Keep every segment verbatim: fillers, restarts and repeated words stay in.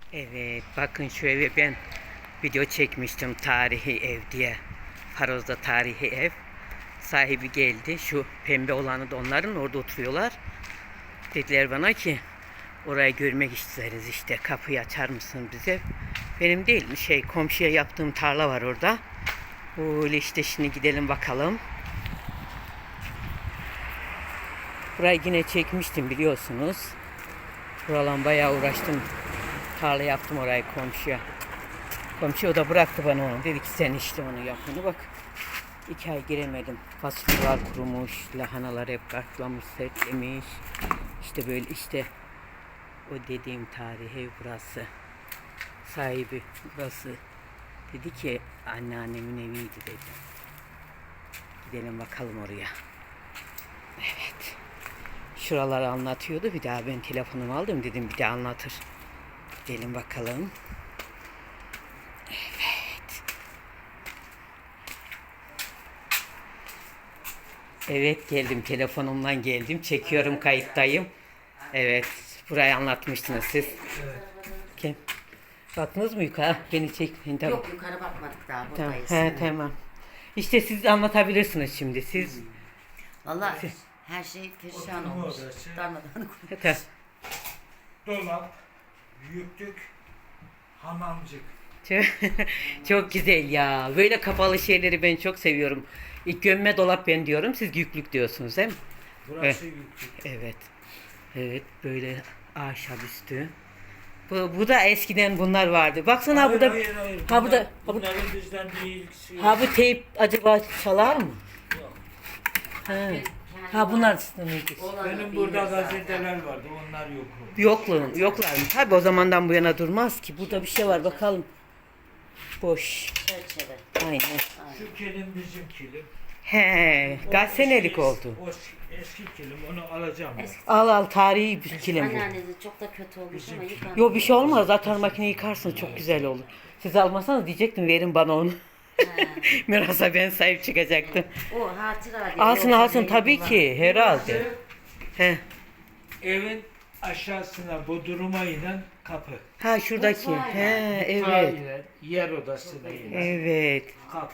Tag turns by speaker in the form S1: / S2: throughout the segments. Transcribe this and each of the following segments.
S1: Evet, bakın şu eve ben video çekmiştim, tarihi ev diye. Faroz'da tarihi ev. Sahibi geldi. Şu pembe olanı da onların, orada oturuyorlar. Dediler bana ki orayı görmek isteriz, işte kapıyı açar mısın bize? Benim değil, şey komşuya yaptığım tarla var orada. Öyle işte, şimdi gidelim bakalım. Burayı yine çekmiştim, biliyorsunuz. Buradan bayağı uğraştım. Tarla yaptım orayı komşuya. Komşu o da bıraktı bana onu. Dedi ki sen işte onu yap. Onu bak. İki ay giremedim. Fasulyeler kurumuş. Lahanalar hep kartlamış, sertlemiş. İşte böyle işte. O dediğim tarihi ev burası. Sahibi burası. Dedi ki anneannemin eviydi dedi. Gidelim bakalım oraya. Evet. Şuraları anlatıyordu. Bir daha ben telefonumu aldım, dedim bir daha anlatır. Gidelim bakalım. Evet. Evet, geldim, telefonumdan geldim. Çekiyorum, kayıttayım. Evet. Burayı anlatmıştınız siz.
S2: Evet.
S1: Kim? Baktınız mı yukarı? Beni çekmeyin. Tamam.
S3: Yok, yukarı bakmadık daha,
S1: Tamam.
S3: buradayız.
S1: He, tamam. İşte siz anlatabilirsiniz şimdi. Siz
S3: Vallahi her şey perişan
S2: Oturma
S3: olmuş.
S2: odası.
S3: Darmadan
S1: Tamam.
S2: Dolap, yüklük, hamamcık.
S1: Çok, çok güzel ya. Böyle kapalı şeyleri ben çok seviyorum. İlk gömme dolap ben diyorum. Siz yüklük diyorsunuz değil mi?
S2: Burası yüklük.
S1: Evet. Evet, böyle ahşap üstü. Bu, bu da eskiden bunlar vardı. Baksana
S2: Hayır,
S1: burada.
S2: hayır, hayır.
S1: Ha burada.
S2: Bunlar-
S1: Ha bu,
S2: Bunların bizden bir ilgisi yok.
S1: ha bu teyp acaba çalar mı?
S2: Yok.
S1: Ha. Ha bunlar sınırlıydı.
S2: Benim burada gazeteler vardı, onlar yok oldu.
S1: Yokluğun, yoklar mı? Tabii o zamandan bu yana durmaz ki. Burada bir şey var, bakalım. Boş.
S3: çerçeve.
S1: Aynen.
S2: Şu kilim bizim kilim.
S1: He,
S2: O
S1: kaç senelik
S2: eski-
S1: oldu?
S2: O eski kilim, onu alacağım ben.
S3: Eski
S1: Al al, tarihi bir kilim bu.
S3: anneannesi çok da kötü olmuş ama yıkandı.
S1: Yo, bir şey olmaz. Atar makine yıkarsın, çok güzel olur. Siz almasanız diyecektim verin bana onu. Mirasa ben sahip çıkacaktım.
S3: O hatıra diye.
S1: Alsın
S3: yoksa
S1: alsın
S3: neyi
S1: tabii
S3: kullan-
S1: ki, herhalde. He.
S2: Evin aşağısına bodruma inen kapı.
S1: Ha şuradaki.
S3: Mutfağa
S1: He,
S2: Mutfağa
S1: evet.
S2: inen, yer odasına inen
S1: Evet.
S2: kapı.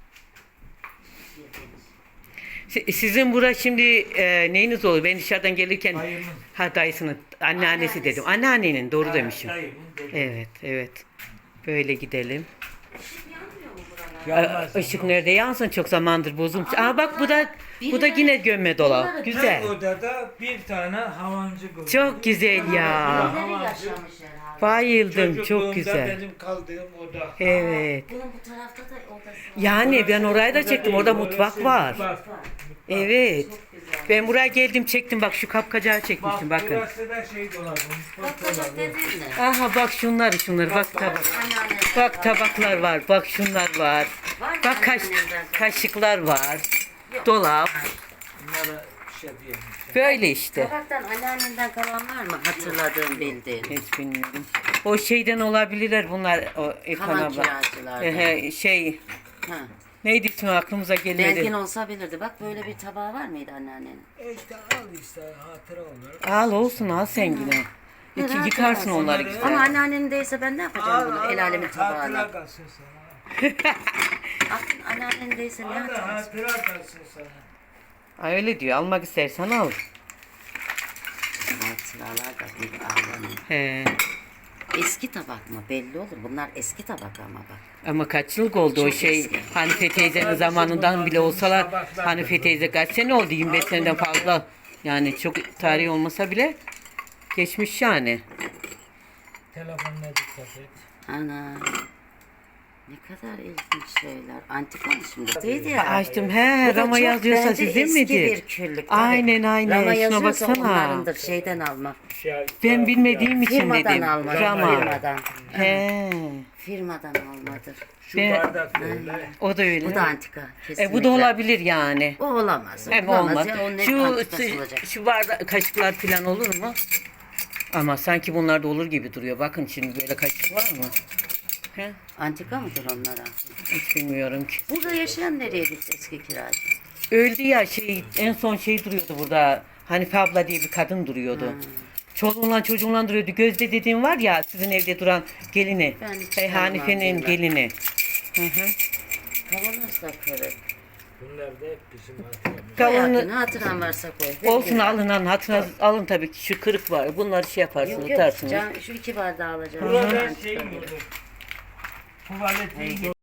S1: Si- Sizin bura şimdi e, neyiniz olur? Ben dışarıdan gelirken
S2: Dayımın.
S1: ha dayısının anneannesi
S3: Anneannesi.
S1: dedim. Anneannenin, doğru
S2: Ha,
S1: demişim.
S2: dayımın dedi.
S1: Evet, evet. Böyle gidelim.
S2: Yanmaz.
S1: Işık nerede yansın, çok zamandır bozulmuş. Aa bak, bu da bu da yine gömme dolap.
S3: Bunları-
S1: Güzel.
S2: Her odada bir tane hamamcık oldu.
S1: Çok güzel ya.
S3: Birileri yaşamış herhalde.
S1: Bayıldım, çok
S2: Çocukluğumda
S1: güzel.
S2: benim kaldığım oda.
S1: Evet.
S3: Bunun bu tarafta da odası var.
S1: Yani ben orayı da çektim. Orada
S2: değil,
S1: mutfak
S2: orası
S1: var.
S2: mutfak.
S1: Evet.
S3: Çok güzel.
S1: Ben buraya geldim, çektim. Bak şu kapkacağı
S2: Bak
S1: çekmiştim, bakın.
S2: burası da şey dolabı, mutfak
S3: Bak bak
S2: dolabı.
S3: dediğin ne?
S1: Aha bak şunları şunları, bak tabak.
S3: Anneannesi
S1: Bak
S3: var.
S1: tabaklar var. Bak şunlar var.
S3: Var mı
S1: Bak kaş,
S3: anneannenden?
S1: kaşıklar var. Dolap.
S2: Bunlara şey diyemem.
S1: Böyle işte.
S3: Tabaktan anneannenden kalan var mı hatırladığın bildiğin?
S1: Hiç bilmiyorum. O şeyden olabilirler bunlar. O
S3: Kalan
S1: ekonomi.
S3: kiracılardan.
S1: Ehe, şey
S3: Ha.
S1: neydi ismi, aklımıza gelmedi.
S3: Belki olsa bilirdi. Bak böyle bir tabağı var mıydı anneannenin?
S2: E işte al işte hatıra olarak.
S1: Al olsun, al sen yine. İki
S3: Rahat
S1: yıkarsın
S3: edersin.
S1: onları
S2: Ama
S1: güzel.
S3: Ama anneannenin değilse ben ne yapacağım bunu? El alemin
S2: Hatıra
S3: tabağına.
S2: kalsın sana.
S3: Aklın anneannenin değilse ne
S2: Al da
S3: yapacağız?
S2: hatıra kalsın sana.
S1: Ay öyle diyor, almak istersen al.
S3: Hatıralar da bir ağlanıyor.
S1: He.
S3: Eski tabak mı? Belli olur. Bunlar eski tabak ama bak.
S1: Ama kaç yıllık oldu o
S3: Çok
S1: şey,
S3: eski.
S1: Hanife teyzenin
S2: Sadece
S1: zamanından
S2: bunlar
S1: bile olsalar,
S2: tabaklar
S1: Hanife
S2: da
S1: teyze kaç sene oldu, yirmi beş seneden
S2: bunlar.
S1: fazla. Yani çok tarihi olmasa bile geçmiş yani.
S2: Telefonuna dikkat et.
S3: Ana. Ne kadar ilginç şeyler. Antika mı şimdi? Değil ya.
S1: Açtım,
S3: Bu
S1: he,
S3: da
S1: Rama
S3: çok
S1: yazıyorsa
S3: bence
S1: sizin
S3: eski
S1: midir?
S3: bir küllük. tabii.
S1: Aynen, aynen.
S3: Rama
S1: Şuna
S3: yazıyorsa
S1: baksana.
S3: onlarındır. Şeyden alma.
S2: Şey,
S1: Ben bilmediğim için
S3: Firmadan
S1: dedim.
S3: alma.
S1: Rama.
S3: Firmadan.
S1: He.
S3: Firmadan almadır.
S2: Şu
S1: Ben-
S2: bardak öyle.
S1: O da öyle.
S3: Bu da antika. Kesinlikle.
S1: E, bu da olabilir yani.
S3: O olamaz. O
S1: Hem
S3: olamaz
S1: olmaz.
S3: ya. Onun hep
S1: Şu
S3: antikası olacak.
S1: şu bardak kaşıklar falan olur mu? Ama sanki bunlar da olur gibi duruyor. Bakın şimdi böyle kaşık var mı? He?
S3: Antika mıdır onlara?
S1: Hiç bilmiyorum ki.
S3: Burada yaşayan nereye gitti eski kiracı?
S1: Öldü ya, şey en son şey duruyordu burada. Hanife abla diye bir kadın duruyordu. Çoluğunla çocuğunla duruyordu. Gözde dediğim var ya sizin evde duran gelini.
S3: Ben hiç
S1: Hey,
S3: tanımam
S1: Hanife'nin
S3: bunları.
S1: gelini. Hı hı.
S3: Kavanoz da kırık.
S2: Bunlar da hep bizim hatıramız.
S1: Kavanoz-
S3: Hayatın hatıran varsa koy. Benim
S1: Olsun
S3: güzel.
S1: alın hatırına alın tabii ki şu kırık var. Bunları şey yaparsınız,
S3: Yok yok.
S1: atarsınız.
S3: Can, şu iki bardağı alacağım.
S2: Burada
S3: Ben
S2: ben şey
S3: tutarım.
S2: yiyordum. Tuvaleti